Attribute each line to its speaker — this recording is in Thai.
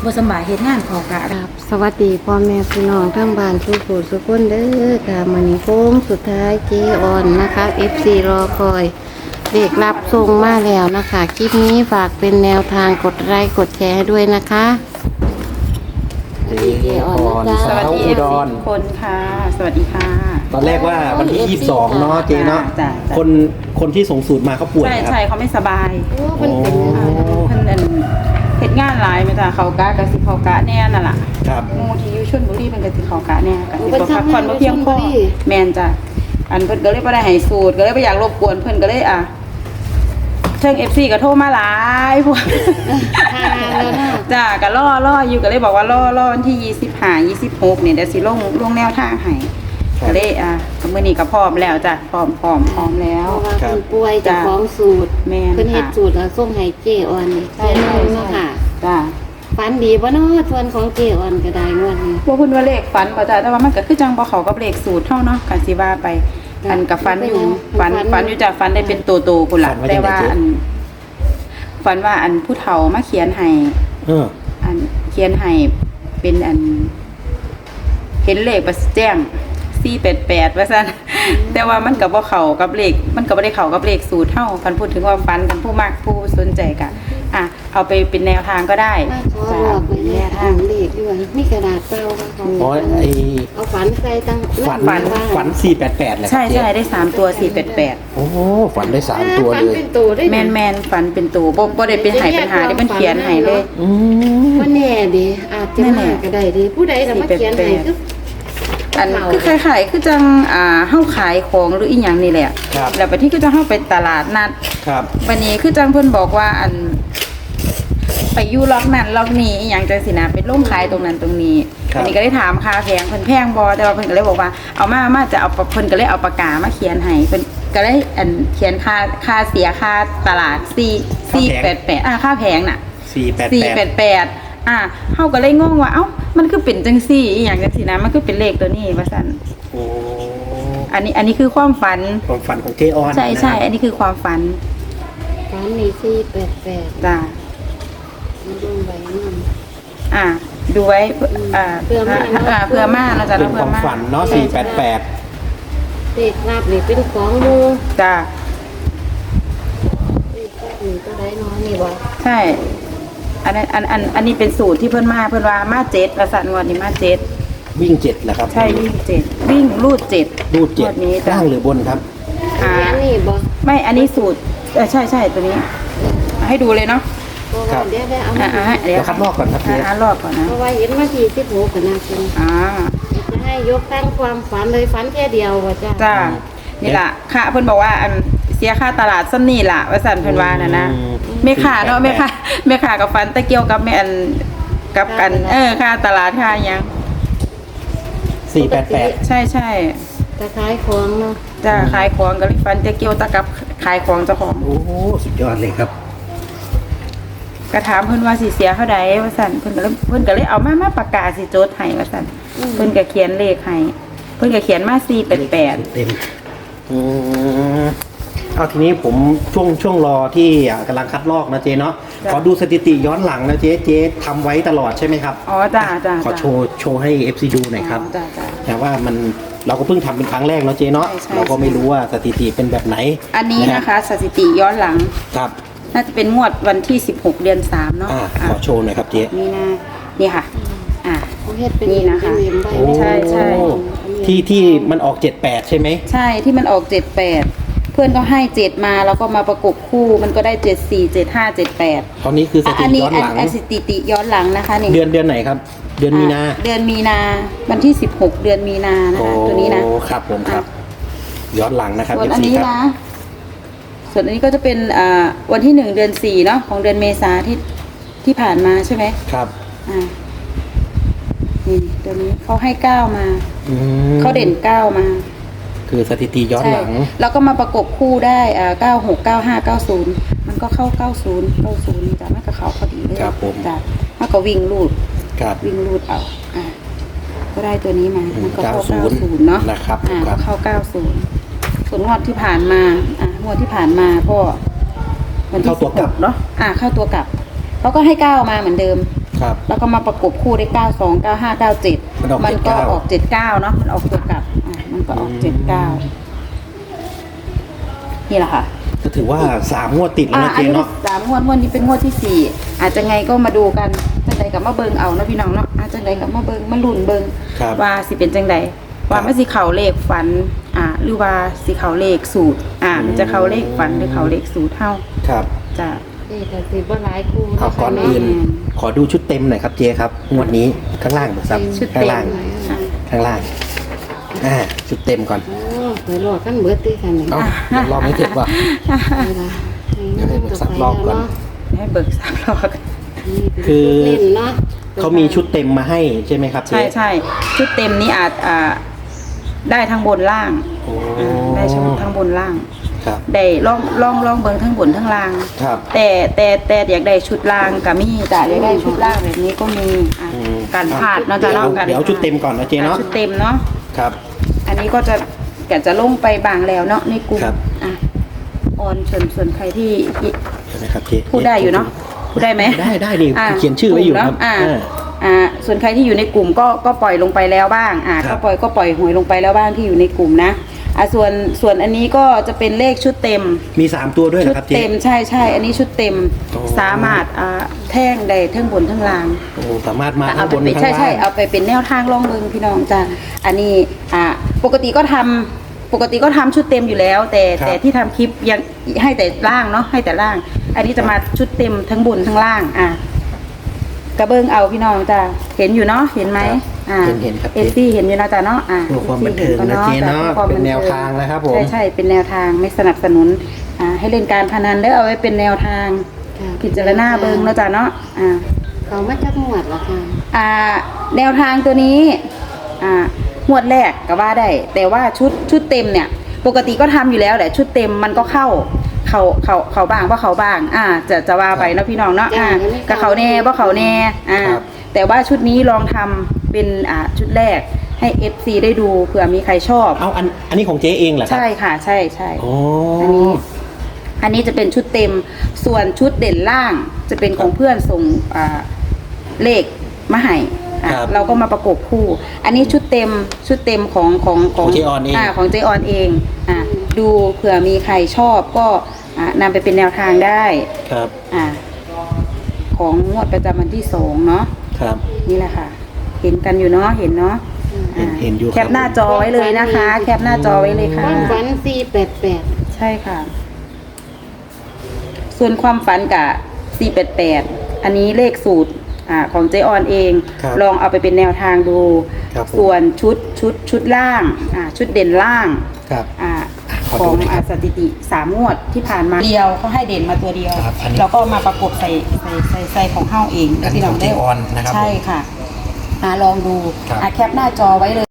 Speaker 1: บ่สำบายเฮ็ดงานเข้ากะ
Speaker 2: ครับสวัสดีพ่อแม่พี่น้องทั้งบ้านทุกผู้ทุกคนเด้อค่ะมื้อนี้โค้งสุดท้ายเจออนนะคะ FC รอคอยเด็กรับส่งมาแล้วนะคะคลิปนี้ฝากเป็นแนวทางกดไลค์กดแชร์ให้ด้วยนะคะเจออนนะ
Speaker 3: ส
Speaker 2: จ๊ะ
Speaker 3: วัสดี
Speaker 1: อุดร
Speaker 3: ทุกคนค่ะ สวัสดีค่ะ
Speaker 1: ตอนแรกว่าวันที่ 22 เนาะเจเนาะ
Speaker 3: จ้ะ
Speaker 1: คนที่ส่งสูตรมาเขาป่วย
Speaker 3: ใช่
Speaker 1: ครับ
Speaker 3: ใช่เขาไม่สบาย
Speaker 2: โอ้มันเป็นยังไง
Speaker 3: เพิ่นนั่นเฮ็ดงานหลายไหมจ้ะเขากะกะสิเขากะแน่นั่นล่ะ
Speaker 1: ครับ
Speaker 3: หมู่ที่อยู่ชลบุรีเพิ่นก็สิเขากะแน่กะสิบ่พักผ่อนบ่เพียงพอแม่นจ้ะอันเพิ่นก็เลยบ่ได้ให้สูตรก็เลยบ่อยากรบกวนเพิ่นก็เลยเชิง FC ก็โทรมาหลายพวก
Speaker 2: แล้วนะ
Speaker 3: จ้าก็ล่ออยู่ก็เลยบอกว่าล่อวันที่25 26เนี่ยเดี๋ยวสิลงแนวทางให้ก็เลยมื้อนี้ก็พร้อมแล้วจ้ะพร้อมแล้
Speaker 2: เพ
Speaker 3: ว
Speaker 2: ราะว่าคุณป่วยจะฟ้องสูตร
Speaker 3: แม่น
Speaker 2: เพิ่นเฮ็ด
Speaker 3: ค่ะ
Speaker 2: สูตรแล้วส่งให้เจออนนี่
Speaker 3: ใช่
Speaker 2: เพิ่นเนาะค่ะ
Speaker 3: จ้า
Speaker 2: ฝันดีบ่เนาะส่วนของเจออนก็ได้งวดนี้
Speaker 3: พวกเพิ่นว่าเลขฝันบ่จ้ะแต่ว่ามันก็คือจังบ่เข้ากับเลขสูตรเฮาเนาะก็สิว่าไป
Speaker 2: จ้ะ
Speaker 3: อันก็ฝันอยู่
Speaker 2: ฝั
Speaker 3: ฝั
Speaker 2: น
Speaker 3: นอยู่จ้ะฝันได้เป็นโตๆพุ่นล่ะ
Speaker 1: ฝันว่า
Speaker 3: แต่
Speaker 1: จังได๋
Speaker 3: ว่า
Speaker 1: เจ๊
Speaker 3: ฝันว่าอันผู้เฒ่ามาเขียนให้
Speaker 1: เออ
Speaker 3: อันเขียนให้เป็นอัน เห็นเลขประแจ้ง488ว่าซั่นแต่ว่ามันก็บ่เข้ากับเลขมันก็บ่ได้เข้ากับเลขสูตรเฮาคันพูดถึงว่าฝันกันผู้มักผู้สนใจก็เอาไปเป็นแนวทางก็ได้
Speaker 2: มาขอ
Speaker 3: จ้ะ
Speaker 2: บอกไป
Speaker 3: เป็น
Speaker 2: แน
Speaker 3: แน
Speaker 2: ว
Speaker 3: ว
Speaker 2: ทา
Speaker 3: ทาง ง
Speaker 2: เลขด้วยมีกระดาษเปล่าค่ะของ
Speaker 1: อ๋อไอ
Speaker 2: เอาฝันใส่ตั้ง
Speaker 1: ฝัน 488แหละ
Speaker 3: ใช่
Speaker 1: เจ๊
Speaker 3: ได้3ตัว488
Speaker 1: โอ้ฝันได้ 3 ตัวเลย
Speaker 2: ฝันเป็นตัวได้
Speaker 3: แมนฝันเป็นตัวบ่ได้เป็นไห้ปัญหาได้มันเขียนให้เลย
Speaker 1: อืม
Speaker 2: ว่าแน่ดิอาจจะ
Speaker 3: แน่
Speaker 2: มาก็ได้ดิผู้ใดจะมาเขียนให้คือ
Speaker 3: อันคือขายคือจังเฮาขายของหรืออีหยังนี่แหละ
Speaker 1: ครับ
Speaker 3: แล้วบัดนี้ก็จะเฮาไปตลาดนัด
Speaker 1: ครับ
Speaker 3: วันนี้คือจังเพิ่นบอกว่าอันไปอยู่ล็อกนั้นล็อกนี้อีหยังจังสินะเป็นร่มขายตรงนั้นตรงนี้
Speaker 1: ครับ
Speaker 3: อันนี้ก็ได้ถามค่าแพงเพิ่นแพงบ่แต่ว่าเพิ่นก็เลยบอกว่าเอามาจะเอาเพิ่นก็เลยเอาปากกามาเขียนให้เพิ่นก็เลยอันเขียนค่าเสียค่าตลาด488ค่าแพงน่ะ
Speaker 1: 488
Speaker 3: เฮาก็เลยงงว่าเอ้ามันคือเป็นจังซี่อีหยังจังซี่นะมันคือเป็นเลขตัวนี้ว่าซั่น
Speaker 1: โอ้
Speaker 3: อันนี้คือความฝัน
Speaker 1: ความฝันของเจออน
Speaker 3: ใช่
Speaker 1: นะครับ
Speaker 3: อันนี้คือความฝัน
Speaker 2: ฝันมี488
Speaker 3: จ้า
Speaker 2: มาดูไว้นำ
Speaker 3: ดูไว้
Speaker 2: เผื่อมาเนาะ
Speaker 3: เพื่อมาเราจะ
Speaker 1: เป็น
Speaker 3: เพื่
Speaker 1: ค
Speaker 3: อ
Speaker 1: วาม
Speaker 3: มา
Speaker 1: ฝันเนาะ
Speaker 3: ใช่
Speaker 1: 488
Speaker 2: เลขลาบนี่เป็นของหมู่
Speaker 3: จ้า
Speaker 2: เลขลาบนี่ตัวใดเนาะนี่บ่
Speaker 3: ใช่อันนี้เป็นสูตรที่เพิ่นว่ามาเจ็ดประสานงวดนี้มาเจ็ด
Speaker 1: วิ่ง7เหรอครับ
Speaker 3: ใช่วิ่งเจ็ดวิ่งรูดเจ็ด
Speaker 1: รูด
Speaker 3: งวดนี้
Speaker 1: 7
Speaker 3: จ้ะ
Speaker 1: ล่างหรือบนครับ
Speaker 2: อันนี้บ่
Speaker 3: ไม่อันนี้สูตรใช่ตัวนี้ให้ดูเลยเนาะ
Speaker 2: เพราะว่าเดี๋ยวได้เอามา
Speaker 3: เดี๋ยว
Speaker 1: เดี๋ยวคัดลอกก่อนครับเจ๊
Speaker 3: ลอกก่อนนะ
Speaker 2: เพราะว่าเห็นมาที่16กันนะคุณ จะให้ยกตั้งความฝันเลยฝันแค่เดียวว่าจ้า
Speaker 3: จ้านี่ล่ะค่ะเพิ่นบอกว่าอันเสียค่าตลาดซ้ำนี่ล่ะว่าสั่นเพิ่นว่าน่ะนะแม่ค้าเนาะแม่ค้ากับฟันตะเกียวกับแม่อันกับกันค่าตลาดค่าหยัง
Speaker 1: 488
Speaker 3: ใช่
Speaker 2: จะขายของเนาะ
Speaker 3: จ้าขายของก็เลยฟันตะเกียวตะกับขายของเจ้าของ
Speaker 1: โอ้สุดยอดเลยครับ
Speaker 3: ก็ถามเพิ่นว่าสิเสียเท่าใดว่าสั่นเพิ่นก็เลยเอามาประกาศสิโจทย์ให้ว่าสั่นเพิ่นก็เขียนเลขให้เพิ่นก็เขียนมา488
Speaker 1: เต็มเอาทีนี้ผมช่วงรอที่กำลังคัดลอกนะเจ๊เนาะ
Speaker 3: จ้ะ
Speaker 1: ขอดูสถิติย้อนหลังนะเจ๊ทำไว้ตลอดใช่ไหมครับ
Speaker 3: อ๋อจ้า
Speaker 1: ขอโชว์ให้ FC ดูหน่อยครับ
Speaker 3: จ้า
Speaker 1: แต่ว่าเราก็เพิ่งทำเป็นครั้งแรกเนาะเจ๊เนาะ
Speaker 3: ใช่
Speaker 1: เราก็ไม่รู้ว่าสถิติเป็นแบบไหน
Speaker 3: อันนี้นะคะสถิติย้อนหลัง
Speaker 1: ครับ
Speaker 3: น่าจะเป็นงวดวันที่16เดือน3เนาะ
Speaker 1: ขอโชว์หน่อยครับเจ๊
Speaker 3: นี่ค่ะ
Speaker 2: เขาเฮ็ดเป็น
Speaker 3: นี่นะคะ
Speaker 2: เอ็มใบ
Speaker 1: โอ้
Speaker 3: ใช่
Speaker 1: ที่มันออก78ใช่ไหม
Speaker 3: ใช่ที่มันออก78เพื่อนก็ให้7มาแล้วก็มาประกบคู่มันก็ได้74 75 78
Speaker 1: ตอนนี้คือสถิ
Speaker 3: อัน
Speaker 1: ติ
Speaker 3: นี้
Speaker 1: ย้อนหลัง
Speaker 3: อันสถิติย้อนหลังนะคะนี่
Speaker 1: เดือนไหนครับ เดือนมีนา
Speaker 3: เดือนมีนาวันที่16เดือนมีนานะคะตัวนี้นะ
Speaker 1: โอ้ครับผมครับ ย้อนหลังนะครับ
Speaker 3: ส่วน
Speaker 1: FC
Speaker 3: อันนี้
Speaker 1: ครับ
Speaker 3: นะส่วนอันนี้ก็จะเป็นวันที่1เดือน4เนาะของเดือนเมษาที่ผ่านมาใช่ไหม
Speaker 1: ครับ
Speaker 3: นี่ตัวนี้เขาให้9มา
Speaker 1: อืม
Speaker 3: เขาเด่น9มา
Speaker 1: คือสถิติย้อนหลัง
Speaker 3: ใช่แล้วก็มาประกบคู่ได้96 95 90มันก็เข้า90นี่จ้ะมันก็เข้าพอดีเลย
Speaker 1: ครับผม
Speaker 3: จ้ะมันก็วิ่งรูด
Speaker 1: ครับ
Speaker 3: วิ่งรูดเอาก็ได้ตัวนี้มามันก็เข้า
Speaker 1: 90
Speaker 3: 90เนาะ
Speaker 1: นะครับ
Speaker 3: ก็เข้า90ส่วนงวดที่ผ่านมางวดที่ผ่านมาก็วันที่
Speaker 1: เข้าตัวกลับ
Speaker 3: 16เนาะเข้าตัวกลับเขาก็ให้9มาเหมือนเดิม
Speaker 1: ครับ
Speaker 3: แล้วก็มาประกบคู่ได้92 95 97
Speaker 1: มันออก
Speaker 3: มันก็
Speaker 1: 79
Speaker 3: ออก79เนาะมันออกตัวกลับมันก็ออก79นี่แหละค่ะ
Speaker 1: ก็ถือว่า3 งวดติดแล้วนะ
Speaker 3: อัน
Speaker 1: เจ๊
Speaker 3: นี้
Speaker 1: เนาะ
Speaker 3: 3 งวดนี้เป็นงวดที่ 4อาจจะไงก็มาดูกันจังใดกับมาเบิงเอานะพี่น้องเนาะอาจจังใดกับมาเบิงมาลุ้นเบิง
Speaker 1: ครับ
Speaker 3: ว่าสิเป็นจังใดว่ามันสิเขาเลขฝันหรือว่าสิเขาเลขสูตรมันจะเขาเลขฝันหรือเขาเลขสูตรเท่า
Speaker 1: ครับ
Speaker 3: จะ
Speaker 2: นี่แต่สิบ่หลายคู่
Speaker 1: เอาก่อน
Speaker 2: แม่
Speaker 1: อื่นขอดูชุดเต็มหน่อยครับเจ๊ครับงวดนี้ข้างล่างเบิกทรัพย์
Speaker 3: ชุด
Speaker 1: ข้า
Speaker 3: เต็
Speaker 1: ง
Speaker 3: ม
Speaker 1: ล่าง
Speaker 3: อ่ะ
Speaker 1: ข้างล่างชุดเต็มก่อน
Speaker 2: โอ้เปิดรอกันเบิดติค่ะนี่
Speaker 1: เอ้าเดี๋ยวรอบไม่เสร็จว่ะ
Speaker 2: เวลา
Speaker 1: เดี๋ยวให้เบิกทรัพย์รอบก่อน
Speaker 3: ให้เบิกทรัพย์รอกัน
Speaker 2: นี่เป็น
Speaker 1: คือ
Speaker 2: เล่นเนาะ
Speaker 1: เขามีชุดเต็มมาให้ใช่ไหมครับเจ๊
Speaker 3: ใช่ชุดเต็มนี้อาจได้ทั้งบนล่าง
Speaker 1: โอ้
Speaker 3: ได้ทั้งบนล่าง
Speaker 1: ครับ
Speaker 3: ได้ลองเบิ่งทั้งบนทั้งล่าง
Speaker 1: ครับ
Speaker 3: แต่อยากได้ชุดล่างก็มีแต่อยากได้ชุดล่างแบบนี้ก็มีการพลาดเนาะจะเนาะกัน
Speaker 1: เดี๋ยวเอาชุดเต็มก่อนนะเจ๊เนาะ
Speaker 3: ชุดเต็มเนาะ
Speaker 1: ครับ
Speaker 3: อันนี้ก็จะลงไปบางแล้วเนาะในกลุ่ม
Speaker 1: ครับ
Speaker 3: ออนส่วนใครที่
Speaker 1: เดี๋ยวนะครับเจ๊
Speaker 3: พูดได้อยู่เนาะพูดได้ไหม
Speaker 1: ได้ดิเขียนชื่อไว้อยู่ครับ
Speaker 3: กลุ่มเนาะส่วนใครที่อยู่ในกลุ่มก็ปล่อยลงไปแล้วบ้างก็ปล่อยหวยลงไปแล้วบ้างที่อยู่ในกลุ่มนะส่วนอันนี้ก็จะเป็นเลขชุดเต็ม
Speaker 1: มี3 ตัวด้วย
Speaker 3: ชุ
Speaker 1: นะ
Speaker 3: ด
Speaker 1: ครับเจ๊
Speaker 3: เต็มใช่อันนี้ชุดเต็ม
Speaker 1: โอ้
Speaker 3: สามารถแท่งได้ทั้งบนทั้งล่าง
Speaker 1: โอ้สามารถมา
Speaker 3: เอา
Speaker 1: ข้าง
Speaker 3: ไป
Speaker 1: บน
Speaker 3: เป็น
Speaker 1: ข้างล่าง
Speaker 3: ใช่เอาไปเป็นแนวทางล่องเบิงพี่น้องจ้ะอันนี้ปกติก็ทำชุดเต็มอยู่แล้ว แต่ที่ทำคลิปยังให้แต่ล่างเนาะให้แต่ล่าง อันนี้จะมาชุดเต็มทั้งบนทั้งล่างกระเบิงเอาพี่น้องจ้ะเห็นอยู่เนาะเห็นไหม
Speaker 1: เห็นครับ
Speaker 3: เอซี่เห็นอยู่นะจ๊ะเนาะ
Speaker 1: เพื่อความบันเทิงนะเจ๊เนาะเป็นแนวทางนะครับผม
Speaker 3: ใช่เป็นแนวทางไม่สนับสนุนให้เล่นการพนันได้เอาไว้เป็นแนวทาง
Speaker 2: ค่ะ
Speaker 3: พิจารณาเบิงเนาะจ๊ะเนาะ
Speaker 2: เขามาจากหมวดเหรอคะ
Speaker 3: แนวทางตัวนี้งวดแรกก็ว่าได้ แต่ว่าชุดเต็มเนี่ย ปกติก็ทำอยู่แล้วแหละชุดเต็มมันก็เข้าบ้างว่าเขาบ้างจะว่าไปเนาะพี่น้องเนาะกับเขาแน่ว่าเขาแน่แต่ว่าชุดนี้ลองทำเป็นชุดแรกให้ FC ได้ดูเผื่อมีใครชอบ
Speaker 1: เอาอันนี้ของเจ๊เองเหรอครับ
Speaker 3: ใช่ค่ะใช่
Speaker 1: โอ้
Speaker 3: อันนี้จะเป็นชุดเต็มส่วนชุดเด่นล่างจะเป็นของเพื่อนส่งเลขมาให้เราก็มาประกบคู่ อันนี้ชุดเต็มของ
Speaker 1: เจออนเอง
Speaker 3: ของเจออนเองดูเผื่อมีใครชอบก็นำไปเป็นแนวทางได้
Speaker 1: ครับ
Speaker 3: ของงวดประจำวันที่2เนาะ
Speaker 1: ครับ
Speaker 3: นี่แหละค่ะ เห็นกันอยู่เนาะเห็นเนาะ
Speaker 1: เห็นอยู่ครับ
Speaker 3: แคปหน้าจอไว้เลยนะคะ แคปหน้าจอไว้เลยค่ะ
Speaker 2: วัน488
Speaker 3: ใช่ค่ะ ส่วนความฝันกับ488อันนี้เลขสูตรของเจออนเอง
Speaker 1: ครับ
Speaker 3: ลองเอาไปเป็นแนวทางดู
Speaker 1: ครับผม
Speaker 3: ส่วนชุดล่างชุดเด่นล่าง
Speaker 1: ครับ ขอ
Speaker 3: ข
Speaker 1: ดู
Speaker 3: อง
Speaker 1: หน่อยครับ
Speaker 3: สถิติ3 งวดที่ผ่านมาเดียวเขาให้เด่นมาตัวเดียว
Speaker 1: ครับอันนี้
Speaker 3: เราก็มาประกบใส่ของเฮ้าเอง
Speaker 1: อันนี้ของเจออนนะครับ
Speaker 3: ใช่ค่ะลองดู
Speaker 1: ครับ
Speaker 3: แคปหน้าจอไว้เลย